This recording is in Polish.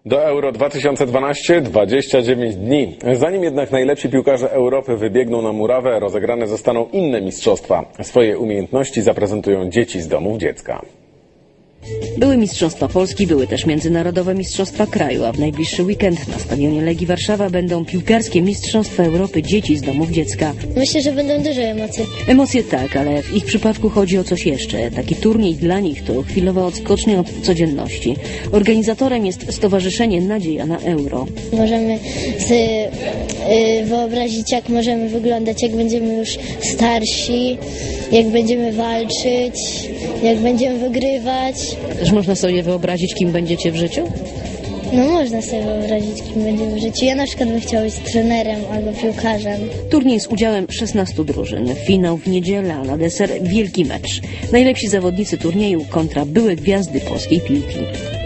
Do Euro 2012 29 dni. Zanim jednak najlepsi piłkarze Europy wybiegną na murawę, rozegrane zostaną inne mistrzostwa. Swoje umiejętności zaprezentują dzieci z domów dziecka. Były Mistrzostwa Polski, były też Międzynarodowe Mistrzostwa Kraju, a w najbliższy weekend na stadionie Legii Warszawa będą piłkarskie Mistrzostwa Europy dzieci z domów dziecka. Myślę, że będą duże emocje. Emocje tak, ale w ich przypadku chodzi o coś jeszcze. Taki turniej dla nich to chwilowa odskocznia od codzienności. Organizatorem jest Stowarzyszenie Nadzieja na Euro. Możemy sobie wyobrazić, jak możemy wyglądać, jak będziemy już starsi, jak będziemy walczyć, jak będziemy wygrywać. Też można sobie wyobrazić, kim będziecie w życiu? No można sobie wyobrazić, kim będziemy w życiu. Ja na przykład bym chciała być trenerem albo piłkarzem. Turniej z udziałem 16 drużyn. Finał w niedzielę, a na deser wielki mecz. Najlepsi zawodnicy turnieju kontra byłe gwiazdy polskiej piłki.